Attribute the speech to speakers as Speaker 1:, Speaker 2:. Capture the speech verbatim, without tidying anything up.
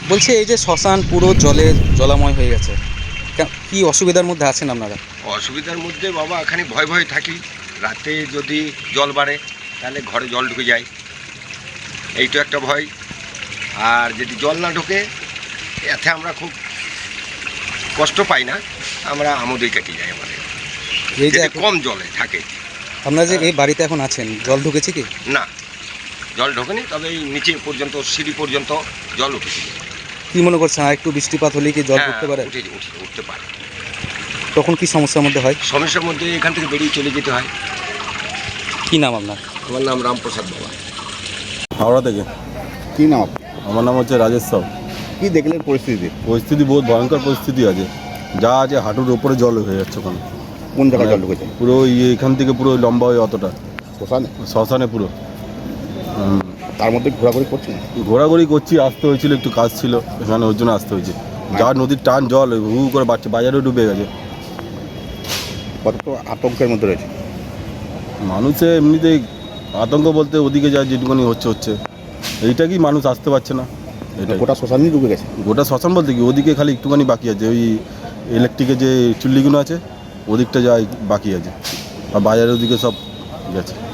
Speaker 1: বলছি এই যে শ্মশান পুরো জলে জলাময় হয়ে গেছে, কি অসুবিধার মধ্যে আছেন আপনারা?
Speaker 2: অসুবিধার মধ্যে বাবা এখানে ভয় ভয় থাকি, রাতে যদি জল বাড়ে তাহলে ঘরে জল ঢুকে যায়, এই তো একটা ভয়। আর যদি জল না ঢোকে এতে আমরা খুব কষ্ট পাই না, আমরা আমোদেই কেটে যাই আমাদের।
Speaker 1: এই যে
Speaker 2: কম জলে থাকে।
Speaker 1: আপনারা যে এই বাড়িতে এখন আছেন, জল ঢুকেছে কি?
Speaker 2: না, জল ঢোকেনি, তবে এই নিচে পর্যন্ত সিঁড়ি পর্যন্ত জল উঠেছে।
Speaker 1: কি মনে করছেন আর একটু বৃষ্টিপাত হলেই কি জল উঠতে পারে?
Speaker 2: উঠে উঠে উঠতে পারে।
Speaker 1: তখন কি সমস্যার মধ্যে হয়?
Speaker 2: সমস্যার মধ্যে এখান থেকে বেরিয়ে চলে যেতে হয়।
Speaker 1: কি নাম আপনার?
Speaker 2: আমার নাম রামপ্রসাদ বাবা।
Speaker 3: হাওড়া থেকে।
Speaker 4: কি নাম?
Speaker 3: আমার নাম হচ্ছে রাজেশ সাউ।
Speaker 4: কি দেখলেন পরিস্থিতি?
Speaker 3: পরিস্থিতি বহুত ভয়ঙ্কর পরিস্থিতি আছে, যা আছে হাঁটুর ওপরে জল হয়ে যাচ্ছে ওখানে।
Speaker 4: কোন জায়গায়
Speaker 3: মানে
Speaker 4: জল ঢুকেছে?
Speaker 3: পুরো ইয়ে এখান থেকে পুরো লম্বা হয়ে অতটা
Speaker 4: শ্মশানে?
Speaker 3: শ্মশানে পুরো। হুম,
Speaker 4: তার মধ্যে ঘোরাঘুরি করছেন?
Speaker 3: ঘোরাঘুরি করছি, আসতে হয়েছিল, একটু কাজ ছিল এখানে, ওর জন্য আসতে হয়েছে। যা নদীর টান জল হু হু করে বাড়ছে, বাজারেও ডুবে গেছে।
Speaker 4: কতটা আতঙ্কের মধ্যে রয়েছে
Speaker 3: মানুষে এমনিতেই আতঙ্ক বলতে ওদিকে যা যেটুকুনি হচ্ছে হচ্ছে এইটা কি মানুষ আসতে পারছে না, এটা
Speaker 4: গোটা শ্মশানই ডুবে গেছে?
Speaker 3: গোটা শ্মশান বলতে কি ওদিকে খালি একটুখানি বাকি আছে, ওই ইলেকট্রিকের যে চুল্লিগুলো আছে ওদিকটা যাই বাকি আছে, আর বাজারের ওদিকে সব গেছে।